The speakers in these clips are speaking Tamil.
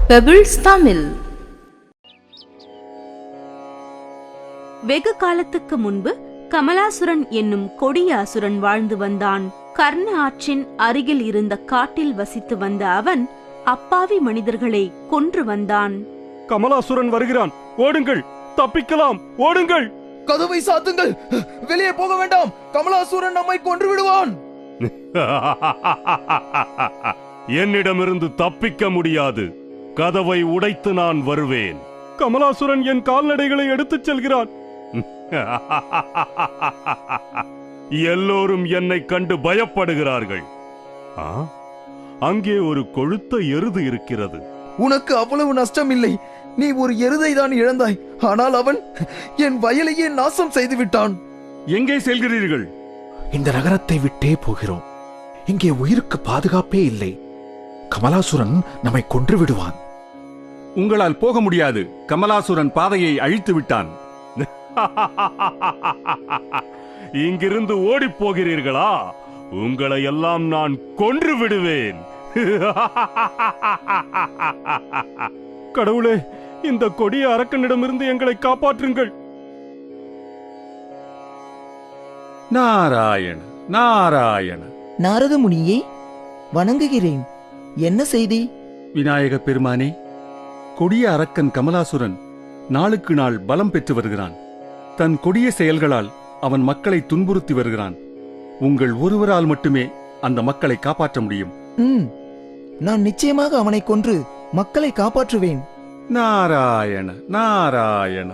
பெபிள்ஸ் தமிழ். வெகு காலத்துக்கு முன்பு கமலாசுரன் என்னும் கொடிய அசுரன் வாழ்ந்து வந்தான். கர்ண ஆற்றின் அருகில் இருந்த காட்டில் வசித்து வந்த அவன் அப்பாவி மனிதர்களை கொன்று வந்தான். கமலாசுரன் வருகிறான், ஓடுங்கள், தப்பிக்கலாம், ஓடுங்கள். கதவை சாத்துங்கள், வெளியே போக வேண்டாம், கமலாசுரன் நம்மை கொன்று விடுவான். என்னிடமிருந்து தப்பிக்க முடியாது, கதவை உடைத்து நான் வருவேன். கமலாசுரன் என் கால்நடைகளை எடுத்துச் செல்கிறான். எல்லோரும் என்னை கண்டு பயப்படுகிறார்கள். அங்கே ஒரு கொழுத்த எருது இருக்கிறது. உனக்கு அவ்வளவு நஷ்டம் இல்லை, நீ ஒரு எருதை தான் இழந்தாய், ஆனால் அவன் என் வயலையே நாசம் செய்து விட்டான். எங்கே செல்கிறீர்கள்? இந்த நகரத்தை விட்டே போகிறோம். இங்கே உயிருக்கு பாதுகாப்பே இல்லை. கமலாசுரன் நம்மை கொன்று விடுவான். உங்களால் போக முடியாது, கமலாசுரன் பாதையை அழித்து விட்டான். இங்கிருந்து ஓடிப் போகிறீர்களா? உங்களை எல்லாம் நான் கொன்று விடுவேன். கடவுளே, இந்த கொடிய அரக்கனிடமிருந்து எங்களை காப்பாற்றுங்கள். நாராயண நாராயண. நாரத முனியே, வணங்குகிறேன். என்ன செய்தி? விநாயக பெருமானே, கொடிய அரக்கன் கமலாசுரன் நாளுக்கு நாள் பலம் பெற்று வருகிறான். தன் கொடிய செயல்களால் அவன் மக்களை துன்புறுத்தி வருகிறான். உங்கள் ஒருவரால் மட்டுமே அந்த மக்களை காப்பாற்ற முடியும். நான் நிச்சயமாக அவனை கொன்று மக்களை காப்பாற்றுவேன். நாராயண நாராயண.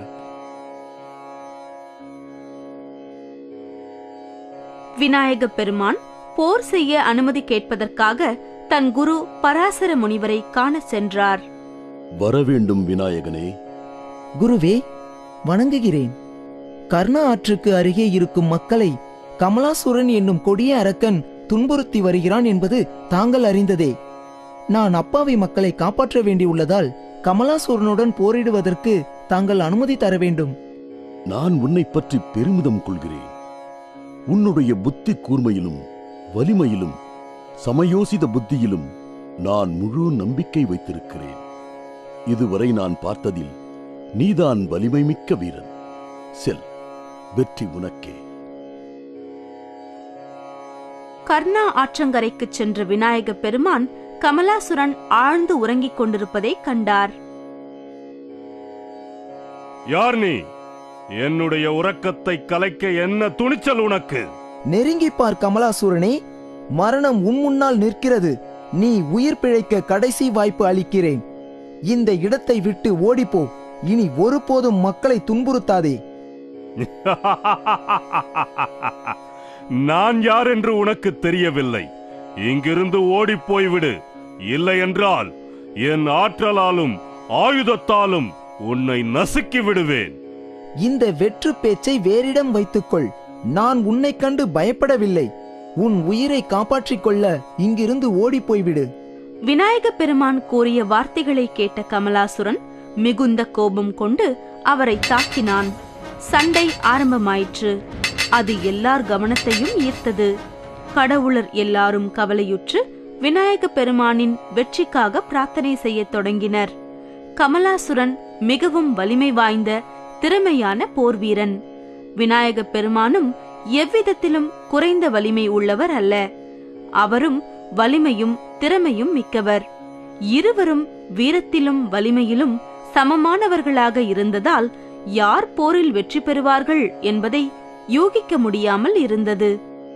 விநாயக பெருமான் போர் செய்ய அனுமதி கேட்பதற்காக தன் குரு பராசர முனிவரை காண சென்றார். வரவேண்டும் விநாயகனே. குருவே, வணங்குகிறேன். கர்ண ஆற்றுக்கு அருகே இருக்கும் மக்களை கமலாசுரன் என்னும் கொடிய அரக்கன் துன்புறுத்தி வருகிறான் என்பது தாங்கள் அறிந்ததே. நான் அப்பாவி மக்களை காப்பாற்ற வேண்டியுள்ளதால் கமலாசுரனுடன் போரிடுவதற்கு தாங்கள் அனுமதி தர வேண்டும். நான் உன்னை பற்றி பெருமிதம் கொள்கிறேன். உன்னுடைய புத்தி கூர்மையிலும் வலிமையிலும் சமயோசித புத்தியிலும் நான் முழு நம்பிக்கை வைத்திருக்கிறேன். இதுவரை நான் பார்த்ததில் நீதான் வலிமை மிக்க வீரன். செல், வெற்றி உனக்கே. கர்ணா ஆற்றங்கரைக்கு சென்ற விநாயக பெருமான் கமலாசுரன் ஆழ்ந்து உறங்கிக் கொண்டிருப்பதை கண்டார். யார் நீ? என்னுடைய உறக்கத்தை கலைக்க என்ன துணிச்சல் உனக்கு? நெருங்கி பார் கமலாசுரனே, மரணம் உன் முன்னால் நிற்கிறது. நீ உயிர் பிழைக்க கடைசி வாய்ப்பு அளிக்கிறேன். இந்த இடத்தை விட்டு ஓடிப்போ. இனி ஒருபோதும் மக்களை துன்புறுத்தாதே. நான் யார் என்று உனக்கு தெரியவில்லை. இங்கிருந்து ஓடிப் போய்விடு. இல்லை என்றால் என் ஆற்றலாலும் ஆயுதத்தாலும் உன்னை நசுக்கி விடுவேன். இந்த வெற்று பேச்சை வேறிடம் வைத்துக்கொள். நான் உன்னை கண்டு பயப்படவில்லை. உன் உயிரை காப்பாற்றிக் கொள்ள இங்கிருந்து ஓடிப் போய்விடு. விநாயக பெருமான் கூறிய வார்த்தைகளை கேட்ட கமலாசுரன் மிகுந்த கோபம் கொண்டு அவரை தாக்கினான். சண்டை ஆரம்பமாயிற்று. அது எல்லார் கவனத்தையும் ஈர்த்தது. கடவுளர் எல்லாரும் கவலையுற்று விநாயக பெருமானின் வெற்றிக்காக பிரார்த்தனை செய்ய தொடங்கினர். கமலாசுரன் மிகவும் வலிமை வாய்ந்த திறமையான போர்வீரன். விநாயக பெருமானும் எவ்விதத்திலும் குறைந்த வலிமை உள்ளவர் அல்ல. அவரும் வலிமையும் திறமையும் மிக்கவர். இருவரும் வீரத்திலும் வலிமையிலும் சமமானவர்களாக இருந்ததால் யார் போரில் வெற்றி பெறுவார்கள் என்பதை யூகிக்க முடியாமல் இருந்தது.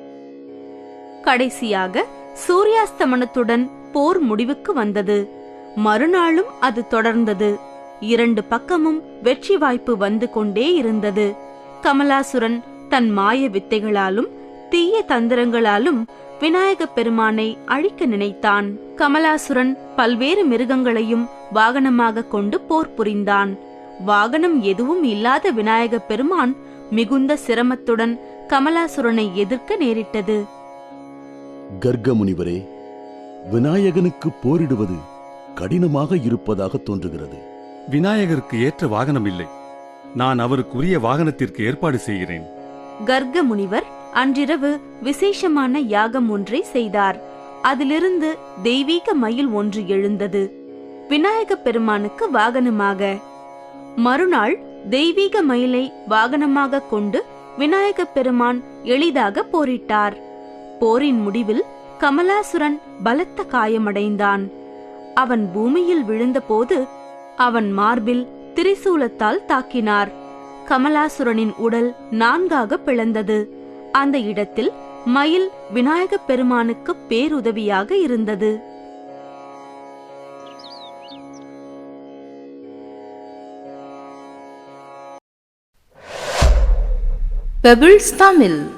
கடைசியாக சூரியாஸ்தமனத்துடன் போர் முடிவுக்கு வந்தது. மறுநாளும் அது தொடர்ந்தது. இரண்டு பக்கமும் வெற்றி வாய்ப்பு வந்து கொண்டே இருந்தது. கமலாசுரன் தன் மாய வித்தைகளாலும் தீய தந்திரங்களாலும் விநாயக பெருமானை அழிக்க நினைத்தான். கமலாசுரன் பல்வேறு மிருகங்களையும் வாகனமாக கொண்டு போர் புரிந்தான். வாகனம் எதுவும் இல்லாத விநாயக பெருமான் மிகுந்த சிரமத்துடன் கமலாசுரனை எதிர்க்க நேரிட்டது. கர்க முனிவரே, விநாயகனுக்கு போரிடுவது கடினமாக இருப்பதாக தோன்றுகிறது. விநாயகருக்கு ஏற்ற வாகனம் இல்லை. நான் அவருக்குரிய வாகனத்திற்கு ஏற்பாடு செய்கிறேன். கர்க முனிவர் அன்றிரவு விசேஷமான யாகம் ஒன்றை செய்தார். அதிலிருந்து தெய்வீக மயில் ஒன்று எழுந்தது. விநாயகப் பெருமானுக்கு வாகனமாக. மறுநாள் தெய்வீக மயிலை வாகனமாக கொண்டு விநாயகப் பெருமான் எளிதாக போரிட்டார். போரின் முடிவில் கமலாசுரன் பலத்த காயமடைந்தான். அவன் பூமியில் விழுந்தபோது அவன் மார்பில் திரிசூலத்தால் தாக்கினார். கமலாசுரனின் உடல் 4ஆக பிளந்தது. அந்த இடத்தில் மயில் விநாயகப் பெருமானுக்கு பேருதவியாக இருந்தது. பெபிள்ஸ் தமிழ்.